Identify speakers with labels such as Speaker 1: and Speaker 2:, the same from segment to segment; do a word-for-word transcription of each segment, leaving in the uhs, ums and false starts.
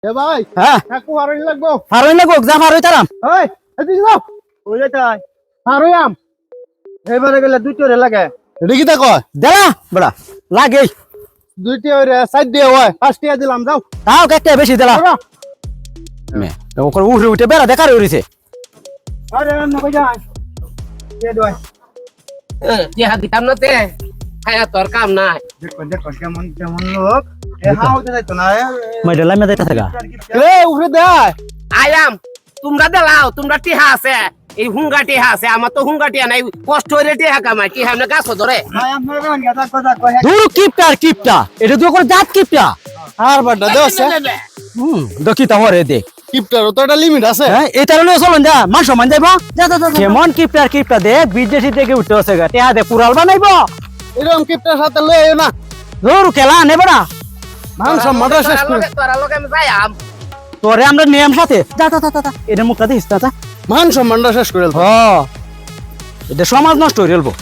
Speaker 1: এ ভাই
Speaker 2: হ্যাঁ
Speaker 1: কাকু হারই লাগবো
Speaker 2: হারই লাগবো যা হারই তারাম
Speaker 1: ওই এদিকে যাও
Speaker 3: ওই যাই
Speaker 1: হারই আম
Speaker 3: এবারে গেলে দুটো রে লাগে
Speaker 1: এটা কি তা কয়
Speaker 2: দেলা বড়া লাগে
Speaker 1: দুইটি ওই সাইড দিয়ে হয় পাঁচটিয়া দিলাম যাও
Speaker 2: তাও একটা বেশি দেলা
Speaker 1: যাও।
Speaker 2: মে ওকর উঠে উঠে বেড়া দেখার উড়িছে
Speaker 1: আরে না কই যাই কে দই
Speaker 4: টিহা দিতাম না তে খায়া তোর কাম নাই
Speaker 3: দেখো দেখো কেমন কেমন লোক এ হাও দে যাইতো না
Speaker 2: মাইডা লাইমে যাইতা থাকা
Speaker 1: এ উঠে দে
Speaker 4: আয়াম তোমরা দেলাও তোমরা টিহা আছে এই হুঙ্গা টিহা আছে আমার তো হুঙ্গা টিহা নাই কষ্ট হইলে টিহা কামাই টিহা না গাছ ধরে
Speaker 3: ভাই আমরা কোন কথা কথা কই
Speaker 2: দূর কিপটার কিপটা এটা তো করে জাত কিপটা
Speaker 1: আর বাড্ডা দেওছে
Speaker 2: হুম দেখি তা হরে দে
Speaker 1: কিপটার তো একটা লিমিট আছে
Speaker 2: হ্যাঁ এটা লয়ে চলন যা মান সম্মান যাইবো যা যা যা কেমন কিপটার কিপটা দে বিদেশি থেকে উঠতে আছে গা টিয়া দে পুরাল বানাইবো
Speaker 1: এরকম কিপটার সাথে লয়ে আইও না
Speaker 2: দূর খেলা নে বড়া
Speaker 1: মান সম্মানটা শেষ করে
Speaker 4: তোরা লোক আমি যাইয়াম
Speaker 2: তোরে আমরা নিয়ম সাথে যা যা যা যা এটা মুখটা দিস না যা
Speaker 1: মান সম্মানটা শেষ করে
Speaker 2: হ এটা সমাজ নষ্ট হয়ে গেলবো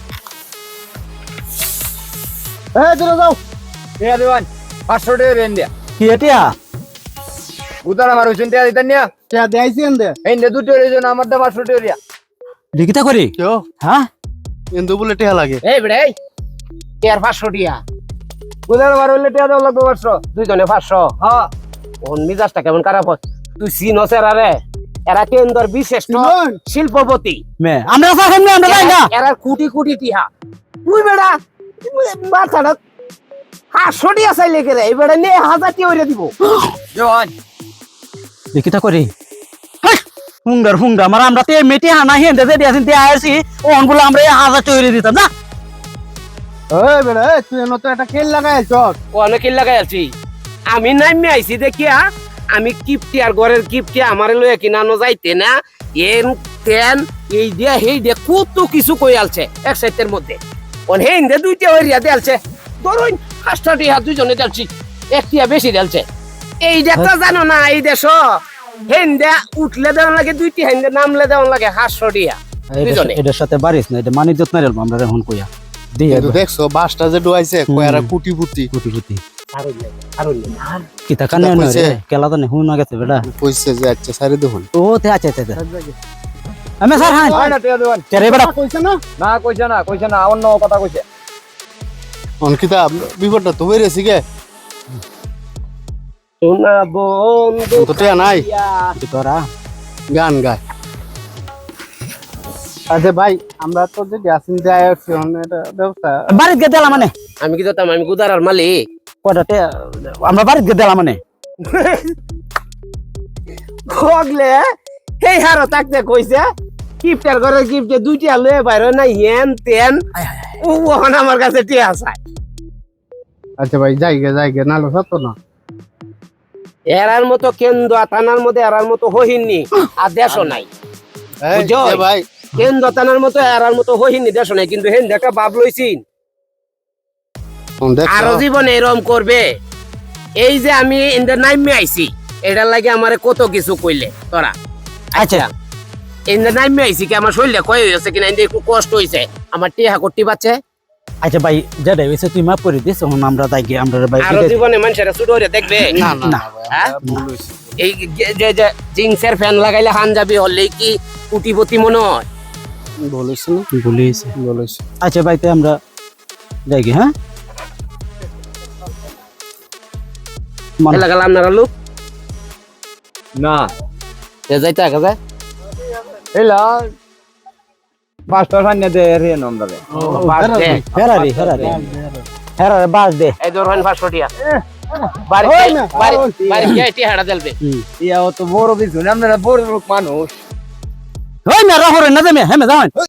Speaker 1: এ দিলে যাও
Speaker 3: এ দিবান পাঁচশো টাকা রেন দিয়া
Speaker 2: কি এটা
Speaker 3: উদার আমার হইছেন টাকা দিতেন না
Speaker 1: কে দেইছি এন্ডে
Speaker 3: এই নে দুটো রেজন আমার দা পাঁচশো টাকা দিয়া
Speaker 2: লিখিতা করি
Speaker 1: কেও
Speaker 2: হ্যাঁ
Speaker 1: এন্ডু বলে টিয়া লাগে
Speaker 4: এই বেড়ে কেয়ার পাঁচশো টিয়া
Speaker 3: উদার আমার হইলে টাকা দাও লাগবে পাঁচশো
Speaker 4: দুইজনে পাঁচশো
Speaker 3: হ্যাঁ
Speaker 4: ওন মিজাজটা কেমন খারাপ হয় তুই চিনস এরা রে এরা কেন্দ্র বিশেষ
Speaker 1: চিনন?
Speaker 4: শিল্পপতি
Speaker 2: মে আমরা স্যার সামনে আমরা যাই না
Speaker 4: এরা কোটি কোটি টিহা তুই বেড়া মাথাটা পাঁচশো টিয়া চাইলে কে রে এই বেড়া নিয়ে হাজার টিয়া ওইরে দিব
Speaker 3: জোয়ান
Speaker 2: লিখিতা করি হুঙ্গার হুঙ্গা আমার আমরা তে মেটে হানা হেন্দে যে দিয়াছেন তে আইছি ওন বলে আমরা এই হাজার তৈরি দিতাম না
Speaker 1: ওই বেড়া এ তুই এনে তো একটা খেল লাগাই চল
Speaker 4: ও অনেক লাগাই আছি আমি নামি আইছি দেখিয়া আমি কিপটি আর ঘরের কিপটি আমারে লয়ে কিনানো যাইতে না এন তেন এই দিয়া হেই দিয়া কত কিছু কই আলছে এক সাইটের মধ্যে ওন হেই দে দুইটা হইরিয়া দেলছে ধরুন পাঁচটা টিয়া দুইজনে দেলছি একটিয়া বেশি দেলছে এই দেখটা জানো না এই দেশ হেন্দে উঠলে দেওয়ান লাগে দুইটি হেন্দে নামলে দেওয়ান লাগে হাতশো টিয়া দুইজনে
Speaker 2: এটার সাথে বাড়িস না এটা মানি যত্ন রেলবো আমরা এখন কইয়া দিয়ে
Speaker 1: কিন্তু দেখছো বাসটা যে ডুয়াইছে কয়ারা কুটি পুটি
Speaker 2: কুটি কুটি
Speaker 4: আরো লে, আরো লে।
Speaker 2: কি তা কানে না রে কেলা তো নেই হুন গেছে বেটা
Speaker 1: কইছে যে আচ্ছা সারি দেখুন
Speaker 2: ও তে আচ্ছা আচ্ছা আমি স্যার হ্যাঁ
Speaker 3: হয় না টাকা দেওয়ান
Speaker 2: কে রে বেটা
Speaker 1: কইছে না
Speaker 3: না কইছে না কইছে না অন্য কথা কইছে
Speaker 1: অনকিতা বিপদটা তো বেরেছি গে
Speaker 4: সোনা বন্ধু
Speaker 1: তো টিয়া নাই
Speaker 2: কি তোরা
Speaker 1: গান গায় আচ্ছা ভাই আমরা তো যে গ্যাসিন যাই আছি এটা ব্যবস্থা
Speaker 2: বাড়িতে গে দিলাম মানে
Speaker 4: আমি কি জানতাম আমি গুদারার মালিক
Speaker 2: কয়টা টে আমরা বাড়িতে গে দিলাম মানে
Speaker 4: ভগলে এই হারো তাকতে কইছে কিপটার ঘরে কিপটে দুইটা লয়ে বাইরে না হেন তেন ও ওহন আমার কাছে টিয়া আছে
Speaker 1: আচ্ছা ভাই যাই গে যাই গে নালো সত্য না
Speaker 4: এরার মতো কেন্দ্র থানার মধ্যে এরার মতো হহিননি আর দেশও নাই
Speaker 1: এই
Speaker 4: বুঝছো?
Speaker 1: এ ভাই
Speaker 4: কেন্দ্র থানার মতো এরার মতো হহিননি দেশও নাই কিন্তু হেন দেখা বাপ লইছিন
Speaker 1: কোন দেখছো
Speaker 4: আরো জীবনে এরকম করবে এই যে আমি ইন্দে নাইমে আইছি এটার লাগে আমারে কত কিছু কইলে তোরা
Speaker 2: আচ্ছা
Speaker 4: ইন্দে নাইমে আইছি কি আমার শরীরে কই হইছে কিনা ইন্দে একটু কষ্ট হইছে আমার টিহা করতে পারছে
Speaker 2: আচ্ছা ভাই যেটা হইছে তুই মাফ করে দিস এখন আমরা যাই গে আমরা ভাই
Speaker 4: আরো জীবনে মানুষের ছোট হইরে দেখবে
Speaker 1: না না
Speaker 2: না।
Speaker 1: ভাই,
Speaker 4: হ্যাঁ?
Speaker 1: আমরা ভুল হইছে।
Speaker 4: এই যে- যে যে জিন্সের ফ্যান লাগাইলে হানজাবি হলে কি কুটিপতি মনে হয়
Speaker 1: ভুল হইছে না
Speaker 2: বলিস
Speaker 1: ভুল হইছে
Speaker 2: আচ্ছা ভাই তে আমরা যাই গে হ্যাঁ মান-
Speaker 4: এলা গেলাম না লোক
Speaker 3: না
Speaker 4: যাইতে আগে যায়
Speaker 3: এলা পাঁচটা সান্নে দে রেন আমরা
Speaker 4: বাস দে
Speaker 2: ফেরারি ফেরারি ফেরারি বাস দে
Speaker 4: এই ধরেন পাঁচশো টিয়া বাড়ি
Speaker 1: ওই না,
Speaker 4: বাড়ি
Speaker 1: ওই।
Speaker 4: বাড়ি গিয়ে টিহাটা দেলবে
Speaker 2: হুম
Speaker 3: ইয়া তো বড় কিছু না আমরা বড় লোক মানুষ
Speaker 2: ওই না রহরে না দেমে হেমে যাওয়ান